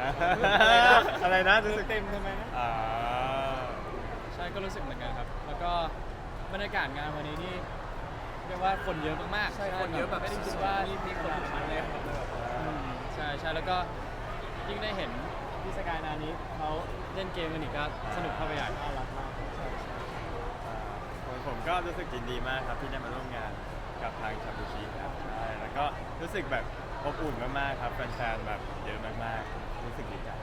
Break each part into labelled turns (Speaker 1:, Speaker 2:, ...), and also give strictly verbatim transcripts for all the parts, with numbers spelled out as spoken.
Speaker 1: อะไรนะรู้สึก
Speaker 2: เต็มทำไมนะ
Speaker 1: อ่า
Speaker 3: ใช่ก็รู้สึกเหมือนกันครับแล้วก็บรรยากาศงานวันนี้นี่เรียกว่าคนเยอะมากๆ
Speaker 2: ใช่คนเยอะแบบ
Speaker 3: ไม่ได้คิดว่า
Speaker 2: มีมีคนอยู่ชั้นเลยครับ
Speaker 3: อืมใช่ใช่แล้วก็ยิ่งได้เห็นพี่สกายนานี้เขาเล่นเกมกันอีกก็สนุกเข้าไปใหญ่
Speaker 2: น่ารักมากใช่ใช่
Speaker 1: ผมผมก็รู้สึกยินดีมากครับที่ได้มาร่วมงานกับทางชาบูชิครับใช่แล้วก็รู้สึกแบบอบอุ่นมากๆครับแฟนๆแบบเยอะมากๆรู้สึกดีใจ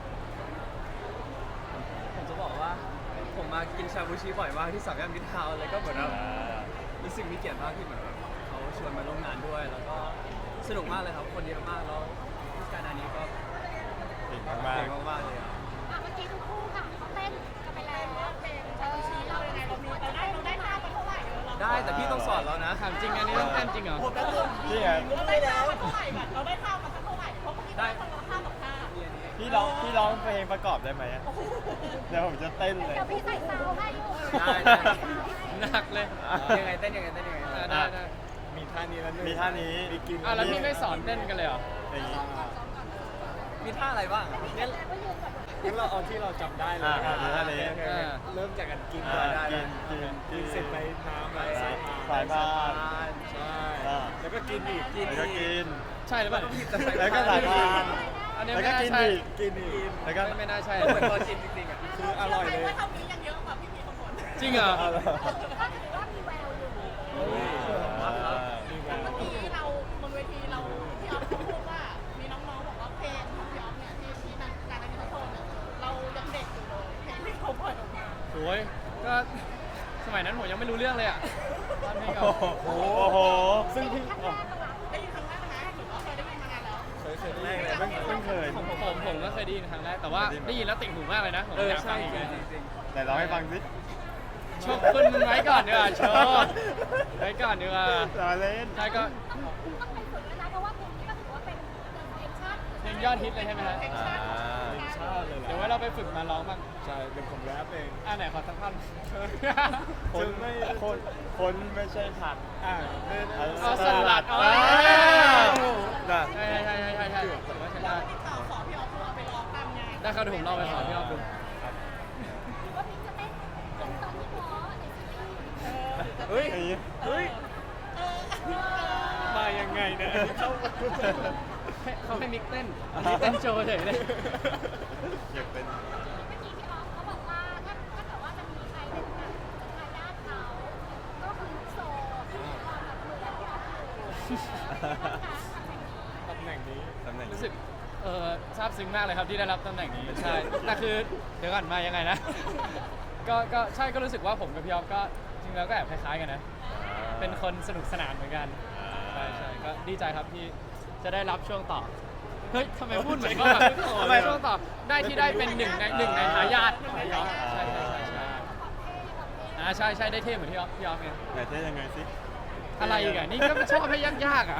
Speaker 2: ผมจะบอกว่าผมมากินชาบูชิบ่อยมากที่สามย่านมิตรทาวน์เลยก็เหมือนแบบรู้สึกมีเกียรติมากที่เหมือนแบบเขาชวนมาร่วมงานด้วย แล้วก็สนุกมากเลยครับคนเยอะมากแล้วพิการนานี้ก็
Speaker 1: เก่งมาก
Speaker 2: เก่งมากๆเลยอ่ะ
Speaker 4: อ่ะเมื่อกี้ทุกคู่ค่ะเขาเต้นกันไปแล้วเพลงชาบูชิเรายังไงเรามีเราได้เราได้ท่ามาเท่าไหร่เออเรา
Speaker 2: ได้แต่พี่ต้องสอนแล้วนะ
Speaker 3: ถามจริงอันนี้ต้องเต้นจริงเหรอ
Speaker 1: ๆพี่ครับ
Speaker 4: เราได้ท่ามาเท่าไหร่ก่อนเราได้ท่ามาสักเท่าไหร่เพราะเมื่อกี้ได้คนละท่าสองท่า
Speaker 1: พี่ร้องพี่ร้องเพลงประกอบได้ไหมอะเดี๋ยวผมจะเต้นเลย
Speaker 4: เดี๋ยวพี่ใส่ซาวให้อยู่
Speaker 2: ได้ได้
Speaker 3: หนักเลย
Speaker 2: ยังไงเต้นยังไงเต้นยังไง
Speaker 3: อ่าได้ได้
Speaker 2: มีท่านี้แล้ว
Speaker 1: มีท่านี้
Speaker 2: มีกิน
Speaker 3: อ่ะแล้วพี่ไม่สอนเต้นกันเลยเหรอ
Speaker 1: อย่างนี้
Speaker 2: มีท่าอะไรบ้างอะงั้น
Speaker 4: แล้วก็ยืนก่อน
Speaker 2: งั้นเราเอาที่เราจำได้เลย
Speaker 1: อ่ามีท่านี้
Speaker 2: โอเคโอเคเริ่มจากการกิน
Speaker 1: อ่า
Speaker 2: ก่อนได้
Speaker 1: กินกิน
Speaker 2: กินเสร็จไปน้ำไป
Speaker 1: สา
Speaker 2: สาย ย
Speaker 1: พา
Speaker 2: พาน
Speaker 1: สายพาน
Speaker 2: ใช่
Speaker 1: อ่า
Speaker 2: แล้วก็กินอีกกิน
Speaker 1: แล้วก็กิน
Speaker 3: ใช่หรือเปล่า
Speaker 1: แล้วก็สายพาน
Speaker 3: อันนี้
Speaker 1: แล้ว
Speaker 3: ไม่
Speaker 1: ก็
Speaker 3: น่า
Speaker 1: กิน
Speaker 3: ใช่
Speaker 1: อีก
Speaker 2: กินอีก
Speaker 1: แล้วก็
Speaker 3: ไม่ไม่น่าใช่
Speaker 2: เหมือนตอนกินจริงๆอ่ะคืออร่อยเลย
Speaker 4: ว่าเท่านี้ยังเยอะกว่าพี่พีคนก่อน
Speaker 3: จริงเหรอ
Speaker 1: เอาเหรอ
Speaker 4: ก็ถือว่ามีแววอยู่
Speaker 1: อ่า
Speaker 4: เมื่อกี้เราบนเวทีเราพี่ออฟเขาพูดว่ามีน้องๆบอกว่าเพลงของพี่ออฟเนี่ยที่ที่นักการนักกีฬาโชว์เนี่ยเรายังเด็กอยู่เลยเพลงที่เขาปล่อยออกมา
Speaker 3: โอ้ยก็สมัยนั้นผมยังไม่รู้เรื่องเลยอ่ะตอนนี้ก็
Speaker 1: โอ้โหโอ้โห
Speaker 4: ซึ่งพี่ครั้งแรกได้ยินครั้งแรกนะหรือว่าเคยได้ยินมานานแล้ว
Speaker 2: เคยเคยแรกเลย
Speaker 1: เพิ่งเพิ่งเคย
Speaker 3: ผมผมผมก็เคยได้ยินครั้งแรกแต่ว่าได้ยินแล้วติ่งหูมากเลยนะผม
Speaker 2: เออ
Speaker 3: อยาก
Speaker 2: ใช่
Speaker 3: ฟังอีก
Speaker 2: จ
Speaker 3: เล
Speaker 2: ริ
Speaker 3: ย
Speaker 2: งจริง
Speaker 1: แต่ร้องให้ฟังสิ
Speaker 3: โชว์คุณมันไว้ก่อนดีกว่าโชว์ไว้ก่อนดีกว่า
Speaker 1: รอเล่น
Speaker 3: ใช่ก็
Speaker 4: ต้องต้องไปฝึกแล้วนะเพราะว่าเพลงนี้ก็ถือว่าเป็นเพลงชาติ
Speaker 3: เพลงยอดฮิตเลยใช่ไหมฮะ
Speaker 4: เพลงชาติของ
Speaker 2: ชาติเลย
Speaker 3: เดี๋ยวไว้เราไปฝึกมาร้องบ้าง
Speaker 2: ใช่เป็นผมแรปเอง
Speaker 3: อ่าไหนขอสักท่อน
Speaker 1: คนไม่คนคนไม่ใช่ผัก
Speaker 2: อ่า
Speaker 3: เอาสลัดเอา
Speaker 1: อ่าน่ะ
Speaker 3: ใช่ใช่ใช่ใช่ใช่ผมว่าใช่ได้
Speaker 4: ติดต่อขอพี่ออฟว่าไปร้องตามงาน
Speaker 3: ได้ครับเดี๋ยวผมลองไปขอพี่ออฟดู
Speaker 4: ว่าพี่จะเต้นตรงตอนที่หมอในซีรีส์
Speaker 2: เฮ้ย
Speaker 1: อย่างนี้
Speaker 2: เฮ้ย
Speaker 4: เออ
Speaker 2: มายังไงเนี่ยเข้า
Speaker 3: ให้เขาให้มิกเต้นอันนี้เต้นโชว์เฉยเลย
Speaker 1: อยากเป็น
Speaker 4: เมื่อกี้พี่ออฟเขาบอกว่าถ้าถ้าเกิดว่าจะมีใครเป็นแบบทายาทเขาก็คือโซที่มีความแบบเหมือนพี่ออฟอยู่
Speaker 2: ตำแหน่งนี้
Speaker 1: ตำแหน่ง
Speaker 3: รู้สึกเออซาบซึ้งมากเลยครับที่ได้รับตำแหน่งนี้ใช่แต่คือเดี๋ยวก่อนมายังไงนะ ก็ก็ใช่ก็รู้สึกว่าผมกับพี่ออฟก็จริงแล้วก็แอบคล้ายๆกันนะเป็นคนสนุกสนานเหมือนกันใช่ใช่ก็ดีใจครับที่จะได้รับช่วงต่อเฮ้ยทำไมพูดเหมือนว่าแบบทำไมช่วงต่อได้ที่ได้เป็นหนึ่งในหนึ่งในทายาทของพี่ออฟใช่ใช่ใช่ใช่อ่าใช่ใช่ได้เท่เหมือนพี่ออฟพี่ออฟไง
Speaker 1: ไหนเท่ยังไงสิ
Speaker 3: อะไรอีกอ่ะนี่ก็ชอบให้ยากๆอ่ะ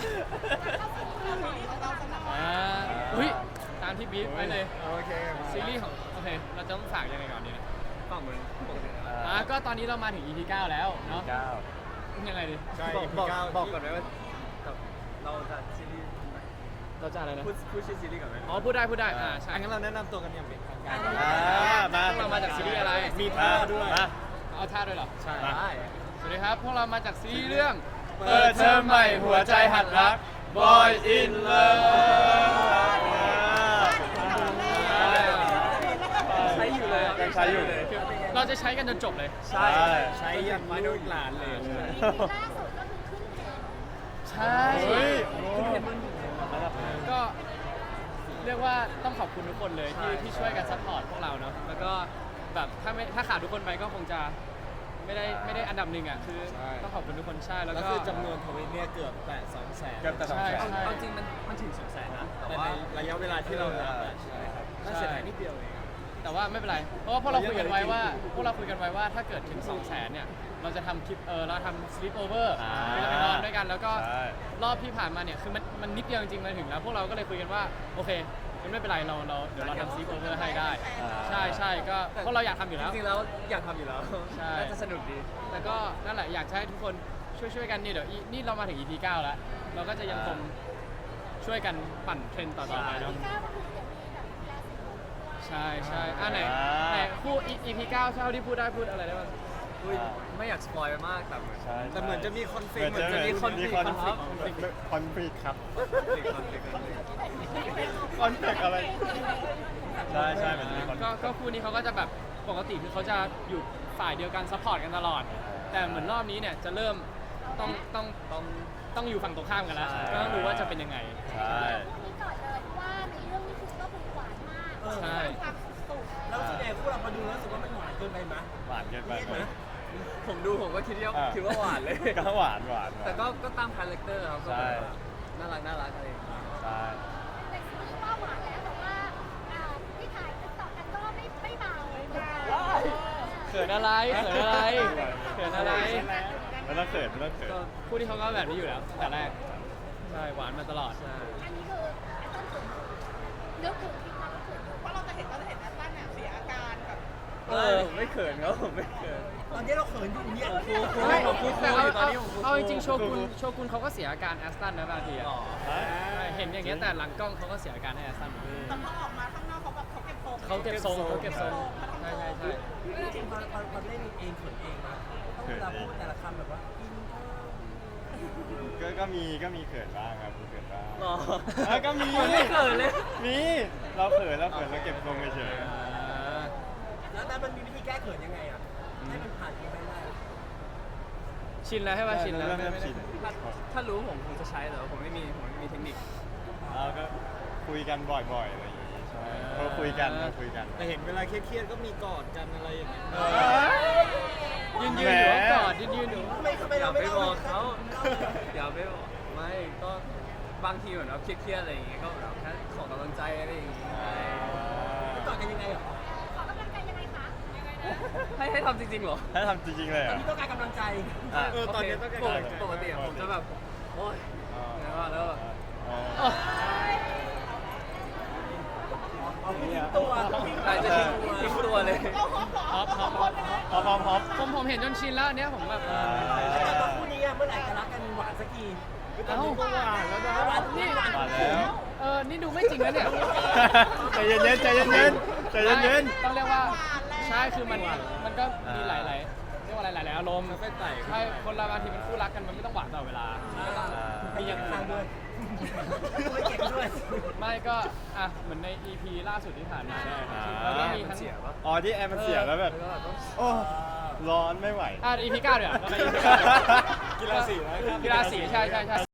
Speaker 3: อ่าอุ้ยตามที่บีฟไว้เลย
Speaker 2: โอเค
Speaker 3: ซีรีส์ของโอเคเราจะต้องฝากยังไงก่อนดีนะ
Speaker 2: ฝั่งเหมือนปกตินะ
Speaker 3: อ่าก็ตอนนี้เรามาถึง อี พี เก้าแล้วเนาะ
Speaker 1: เก้า
Speaker 3: ยังไงดี
Speaker 2: ใช่บอกบอกก่อนไหมว่าเราจะซีรีส์
Speaker 3: เราจะอะไรนะ
Speaker 2: พูดพูดชื่อซีรีส์ก่อนไหม
Speaker 3: อ๋อพูดได้พูดได้อ่าใช่
Speaker 2: งั้นเราแนะนำตัวกันอย่างเป็นทางการ
Speaker 1: อ่ามา
Speaker 3: พวกเรามาจากซีรีส์อะไร
Speaker 2: มีท่าด้วย
Speaker 1: มา
Speaker 3: เอาท่าด้วยเหรอ
Speaker 2: ใช่
Speaker 3: สวัสดีครับพวกเรามาจากซีรีส์เรื่อง
Speaker 1: เปิดเทอมใหม่หัวใจหัดรัก Boy in Love
Speaker 2: ใช้อยู่เลย
Speaker 1: ยังใช้อยู่
Speaker 3: คือเราจะใช้กันจนจบเลย
Speaker 2: ใช่ใช้ยันลูกหลานเลย
Speaker 4: ล่าสุดก็คือขึ้นเทรนด์
Speaker 3: ใช่
Speaker 1: เฮ้ย
Speaker 3: ก็เรียกว่าต้องขอบคุณทุกคนเลยที่ที่ช่วยกันซัพพอร์ตพวกเราเนาะแล้วก็แบบถ้าไม่ถ้าขาดทุกคนไปก็คงจะไม่ได้ไม่ได้อันดับหนึ่งอ่ะคือต้องขอบคุณทุกคนใช่แล้ว
Speaker 2: แล้ว
Speaker 3: ก็
Speaker 2: คือจำนวนทวิตเนี่ยเกือบแตะสองแสน
Speaker 1: เกือบแต่สองแสน
Speaker 3: ใช่
Speaker 2: เอาจริงมันมันถึงสองแสนนะแต่ว่าระยะเวลาที่เรารับอะใช่ครับน่าเสียดายนิดเดียวเอง
Speaker 3: แต่ว่าไม่เป็นไรเพราะว่าพวกเราคุยกันไว้ว่าพวกเราคุยกันไว้ว่าถ้าเกิดถึงสองแสนเนี่ยเราจะทำคลิปเออเราทำ sleep over
Speaker 1: อ่า
Speaker 3: คือเราไปนอนด้วยกันแล้วก็
Speaker 1: ใช่
Speaker 3: รอบที่ผ่านมาเนี่ยคือมันมันนิดเดียวจริงๆมาถึงแล้วพวกเราก็เลยคุยกันว่าโอเคงั้นไม่เป็นไรเราเราเดี๋ยวเราทำ sleep over ให้ได้
Speaker 1: อ่า
Speaker 3: ใช่ใช่ก็พวกเราอยากทำอยู่
Speaker 2: จ
Speaker 3: แล้ว
Speaker 2: ริงๆแล้วอยากทำอยู่แล้ว
Speaker 3: ใช่
Speaker 2: น่าจะสนุกดี
Speaker 3: แต่ก็นั่นแหละอยากจะให้ทุกคนช่วยช่วยๆกันนี่เดี๋ยวอีนี่เรามาถึง อี พี เก้าแล้วเราก็จะยังคงช่วยกันปั่นเทรนด์ต่อๆไปเนาะ
Speaker 4: พี่ก้าวก็คือเดี๋ยวมีแบบแล
Speaker 3: ใช่ใช่อ่ะไหนไหนคู่ อี พี เก้าเท่าที่พูดได้พูดอะไรได้บ้าง
Speaker 2: อุ้ยไม่อยากสปอยไปมากแต่เหมือน
Speaker 1: ใช่
Speaker 5: แต่เหมือนจะมีคอนฟ lict
Speaker 1: เหมือนจะมี
Speaker 2: คอนฟลิกต์
Speaker 1: คอน
Speaker 2: ค
Speaker 1: ฟ
Speaker 2: รั
Speaker 1: ลิ
Speaker 2: บ
Speaker 1: กคอนฟลิกครับ
Speaker 2: ติดคอนฟ lict กันเลย
Speaker 1: คอนฟลิกอะไรใช่ใช่มันจะมีคอน
Speaker 3: ก็ก็คู่นี้เขาก็จะแบบปกติคือเขาจะอยู่ฝ่ายเดียวกันซัพพอร์ตกันตลอด แต่เหมือนรอบนี้เนี่ยจะเริ่มต้องต้องต้องต้องอยู่ฝั่งตรงข้ามกันแล้วก็ต้องดูว่าจะเป็นยังไง
Speaker 1: ใช่
Speaker 6: นี่ก่อนเลยเพราะว่าในเรื่องนี้คือก็คือหวานมาก
Speaker 3: ใช่
Speaker 4: ความสุข
Speaker 5: แล้วส่วนใหญ่คู่เราพอดูแล้วรู้สึกว่ามันหวานเกินไปไหม
Speaker 1: หวานเกินไปไหม
Speaker 2: ผมดูผมก็คิดว่า
Speaker 1: อ่ะ
Speaker 2: คิดว่าหวานเลย
Speaker 1: ก็หวานหวาน
Speaker 2: แต่ก็ก็ตามคาแรคเตอร์ครับก็
Speaker 1: ใช่
Speaker 2: แบบน่ารักน่ารักอะไรอย่างเงี้ย
Speaker 1: ใช่
Speaker 6: แต่ซีรีส์ว่าหวานแล้วแต่ว่าอ่าที่ถ่ายติ๊กต็อกกันก็ไม่ไม่เบา
Speaker 3: เขินอะไรเขินอะไรเขินอะไร
Speaker 1: ไม่ต้องเขินไม่ต้องเขิน
Speaker 3: ก็คู่ที่เขาก็แบบนี้อยู่แล้วตั้งแต่แรกใช่หวานมาตลอด
Speaker 2: ใช่
Speaker 6: อันนี้คือไอ้ต้นถึงนึกถึงที่เรานึกถึง
Speaker 4: เพราะเราจะเห็นเราจะเห็นแอตตันเนี่ยเสียอาการแบบ
Speaker 2: เออผมไม่เขินครับผมไม่เขิน
Speaker 5: ตอนนี้เราเขินอยู่เนี่ย
Speaker 2: ครูครู
Speaker 3: ไม่
Speaker 2: ผมครูครู
Speaker 3: แต่
Speaker 2: อ
Speaker 3: เอา
Speaker 2: ยู่ตอน
Speaker 3: เอา
Speaker 2: นี้ผมครู
Speaker 3: เอาจริงๆโชกุนโชกุนเขาก็เสียอาการแอสตันนะบางทีอะ
Speaker 2: อ๋อ
Speaker 3: ใช่เห็นอย่างเงี้ยแต่หลังกล้องเขาก็เสียอาการให้แอสตันเหมือนกัน
Speaker 4: แต่พอออกมาข้างนอกเขาแบบเขาเก็บทรง
Speaker 3: เขาเก็บทรงเขาเก็บทรงใช่ใช่ใช่
Speaker 5: จริงๆตอนตอนตอนเล่นเองเขินเองนะต้องเวลาพูดแต่ละคำแบบว่ากินข้าว
Speaker 1: ก็ก็มีก็มีเขินบ้างครับมีเขินบ้าง
Speaker 2: หรอ
Speaker 1: เออก็มี
Speaker 2: ผมไม่เขินเลย
Speaker 1: มีเราเขินเราเขินเราเก็บทรงเฉย
Speaker 5: แล้วนั้นมันมีวิธีแก้เขินยังไงอ่ะให้มันผ่านไปได้
Speaker 3: ชินแล้วใช่ป่ะชินแล้ว
Speaker 1: เริ่ม
Speaker 3: ไม่
Speaker 1: เริ่ม
Speaker 3: ไม่ได้
Speaker 1: ชิน
Speaker 2: ถ้าถ้ารู้ผมคงจะใช้แต่ว่าผมไม่มีผมไม่มีเทคนิค
Speaker 1: เราก็คุยกันบ่อยๆอะไรอย่างงี้ใช่เราคุยกันเราคุยกัน
Speaker 5: แต่เห็นเวลาเครียดๆก็มีกอดกันอะไรอย่างเงี้ย
Speaker 3: ยืนยืนอยู่ก็กอดยืนยืนอยู่
Speaker 5: ทำไมทำไม
Speaker 2: อย่า
Speaker 5: เรา
Speaker 2: ไป
Speaker 5: ไม่
Speaker 2: บอก
Speaker 5: เล่า
Speaker 2: เขาอย่าไปบอกไม่ก็บางทีเหมือนเราเครียดๆอะไรอย่างเงี้ยก็แบบแค่ขอกำลังใจอะไรอย่างเงี้ย
Speaker 5: กอดกันยังไงเหรอ
Speaker 6: ขอกำลังใจยังไงคะ
Speaker 2: ให้ให้ทำจริงๆเหรอ
Speaker 1: ถ้าทำจริงๆเลย
Speaker 5: ต
Speaker 1: เหร
Speaker 5: อน
Speaker 1: อ
Speaker 5: นี้ต้องการกำลังใจ
Speaker 1: อ่ะ
Speaker 5: เออตอนนี้ต้องการ
Speaker 2: ป
Speaker 5: กำ
Speaker 2: ก
Speaker 5: ลังใจ
Speaker 2: ปกติอะผมจะแบบโอ๊ยแล้วก็แล้วก็
Speaker 1: อ๋อ
Speaker 5: เอาพี่ทิ้งตัว
Speaker 2: อาจจะทิ้งทิ้งตัวเลย
Speaker 3: ฮอปฮอปฮอป
Speaker 1: พอพอพอ
Speaker 3: ผมผมเห็นจนชินแล้วอันเนี้ยผมแบบเออ
Speaker 5: แล้วตอนคู่นี้อะเมื่อไหร่จะรักกันหวานสักที
Speaker 3: เอ้า
Speaker 5: หวานแล้วนะหวานนี่หวาน
Speaker 1: มาแล้ว
Speaker 3: เออนี่ดูไม่จริงนะเนี่ย
Speaker 1: ใจเย็นๆใจเย็นๆใจเย็น
Speaker 3: ต้องเรียกว่าใช่คือมันมันก็มีหลายๆเรียกว่าหลายๆอารมณ์ใช่คนเราบางทีเป็นคู่รักกันมันไม่ต้องหวานตลอดเวลามีอย่างอื่น
Speaker 5: ด้วยไม่เก็บด้วย
Speaker 3: ไม่ก็อ่ะเหมือนใน อี พี ล่าสุดที่ผ่านมาเนี่ย
Speaker 1: อ่า
Speaker 3: แล้วก็มีทั้ง
Speaker 2: เสียปะ
Speaker 1: อ๋อที่แอร์มันเสียแล้วแบบ
Speaker 2: แล้วก็ต้อง
Speaker 1: โอ้ร้อนไม่ไหว
Speaker 3: อ่ะ อี พี เก้าเดี๋ยวแล้วก็ อี พี เก้า
Speaker 1: กีฬาสีนะครับ
Speaker 3: กีฬาสีใช่ใช่ใช่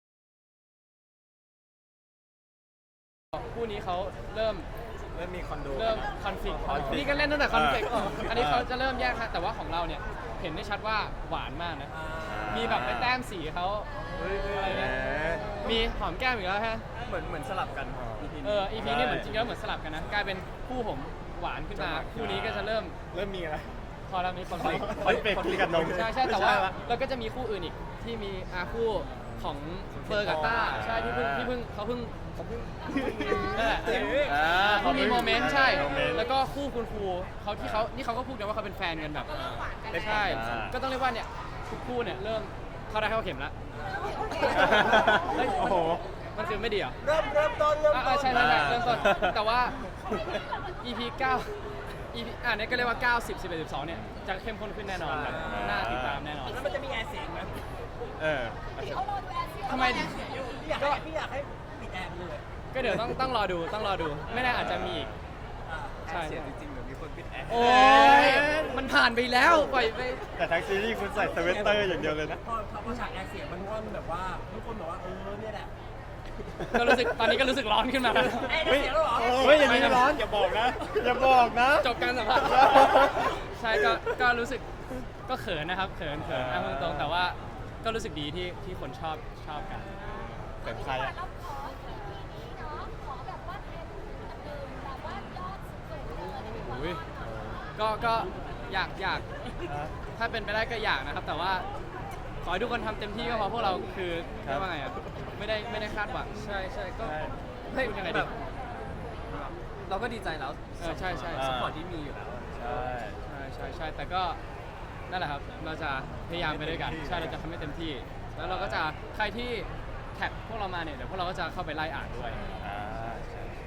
Speaker 3: คู่นี้เขาเริ่ม
Speaker 5: เริ่มมีคอนโด
Speaker 3: เริ่มคอนฟ lict นี่ก็เล่นตั้งแต่คอนฟ lict อันนี้เขาจะเริ่มแยกฮะแต่ว่าของเราเนี่ยเห็นได้ชัดว่าหวานมากนะ มีแบบไปแต้มสีเขาอะไรเงี้ยมีหอมแก้มอีกแล้วฮะ
Speaker 2: เหมือนเหมือนสลับกัน อี พี
Speaker 3: เออ อี พี นี่เหมือนจริงแล้วเหมือนสลับกันนะ กลายเป็นคู่ผมหวานขึ้นมา คู่นี้ก็จะเริ่ม
Speaker 1: เริ่มมีอะไร
Speaker 3: พอเรามีคอนฟ lict
Speaker 1: คอนฟลิกต์กับนม
Speaker 3: ใช่ใช่แต่ว่า
Speaker 1: ไม่ใช่ละ
Speaker 3: เราก็จะมีคู่อื่นอีกที่มีอาคู่ของเฟอร์กับต้าใช่ที่เพิ่งที่เพิ่งเขาเพิ่งเขาเพิ่งนั่นแหละ
Speaker 1: อ่า
Speaker 3: เขามีโมเมนต์ใช่
Speaker 1: โมเมนต์
Speaker 3: แล้วก็คู่คุณครูเขาที่เขานี่เขาก็พูดกันว่าเขาเป็นแฟนกันแบบใช่
Speaker 1: อ่า
Speaker 3: ก็ต้องเรียกว่าเนี่ยทุกคู่เนี่ยเริ่มเข้าได้เข้าเข็มแล้ว เฮ้ย
Speaker 1: โอ้โห
Speaker 3: มันคือไม่ดีเหรอ
Speaker 5: เริ่มเริ่มต้นเริ่ม
Speaker 3: อ่า
Speaker 5: ต้น
Speaker 3: ใช่ใช่ใช่
Speaker 1: อ่า
Speaker 3: เริ่มต้นแต่ว่า อี พี เก้า อี พี อ่าเนี่ยก็เรียกว่าเก้า สิบ สิบเอ็ด สิบสองเนี่ยจะเข้มข้นขึ้นแน่นอนแบบน่าติดตามแน่นอน
Speaker 5: แล้วมันจะมีแอร์เสียงไหม
Speaker 1: เออ
Speaker 6: เขารอดูแอร์เสีย
Speaker 3: ทำไม
Speaker 5: พี่อยากให้พี่อยากให้ปิดแอร์ไปเลย
Speaker 3: ก็เดี๋ยวต้องต้องรอดูต้องรอดู ไม่แน่อาจจะมีอีก
Speaker 5: อ่า
Speaker 3: ใช่
Speaker 2: เสียจริงๆเดี๋ยวมีคนปิดแอร์
Speaker 3: โอ้ยมันผ่านไปแล้วปล่อยไป
Speaker 1: แต่ทั้งซีรีส์คุณใส่สเวตเตอร์อย่างเดียวเลยนะ
Speaker 5: พอพอฉากแอร์เสียงมันว่อนแบบว่าทุกคนบอกว่าเออเนี่ยแหละ
Speaker 3: ก็รู้สึกตอนนี้ก็รู้สึกร้อนขึ้นมาแล้ว
Speaker 5: แอร์เสียงแล้วเหรอ
Speaker 1: เฮ้ยอย่างนี้ร้อนอย่าบอกนะ อย่าบอกนะ
Speaker 3: จบการสัมภาษณ์ใช่ก็ก็รู้สึกก็เขินนะครับเขินเขินอ่ะพูดตรงๆแต่ว่าก็รู้สึกดีที่ที่คนชอบชอบกัน
Speaker 1: เป็นใครอะ
Speaker 6: เราขอทีนี้เนาะขอแบบว่าเทรนด์อันหนึ่งแบบว่ายอดสูงเลยในวัน
Speaker 3: อุ้ยก็ก็อยากอยากถ้าเป็นไปได้ก็อยากนะครับ แต่ว่าขอให้ทุกคนทำเต็มที่ก็พอพวกเราคือเรียกว่าไงอ่ะไม่ได้ไม่ได้คาดหวัง
Speaker 2: ใช่ใช่ก็
Speaker 1: ใช่
Speaker 2: เฮ้ย
Speaker 3: พูดยังไงดี
Speaker 2: แบบเราก็ดีใจแล้ว
Speaker 3: เออใช่ใช่
Speaker 2: สปอร์ตที่มีอยู่แล้วอะ
Speaker 1: ใช่
Speaker 3: ใช่ใช่ใช่แต่ก็นั่นแหละครับเราจะพยายามไปด้วยกันใช่เราจะทำให้เต็มที่ แล้วเราก็จะใครที่แท็กพวกเรามาเนี่ยเดี๋ยวพวกเราก็จะเข้าไปไล่อ่านด้วย
Speaker 1: อ่าใช่
Speaker 5: แ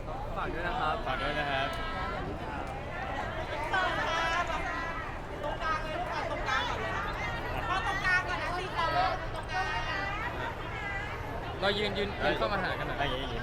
Speaker 2: ฝากด้วยนะครับ
Speaker 1: ฝากด้วยนะครับ
Speaker 4: เปิดนะคะตรงกลางเลยลูกอ่ะตรงกลางก่อนเลยพอตรงกลางก่อนนะที่เราตรงกลาง
Speaker 3: เรายืนยืนยืนเข้ามาหากันหน่อย
Speaker 1: อะไรอย่างเงี้ย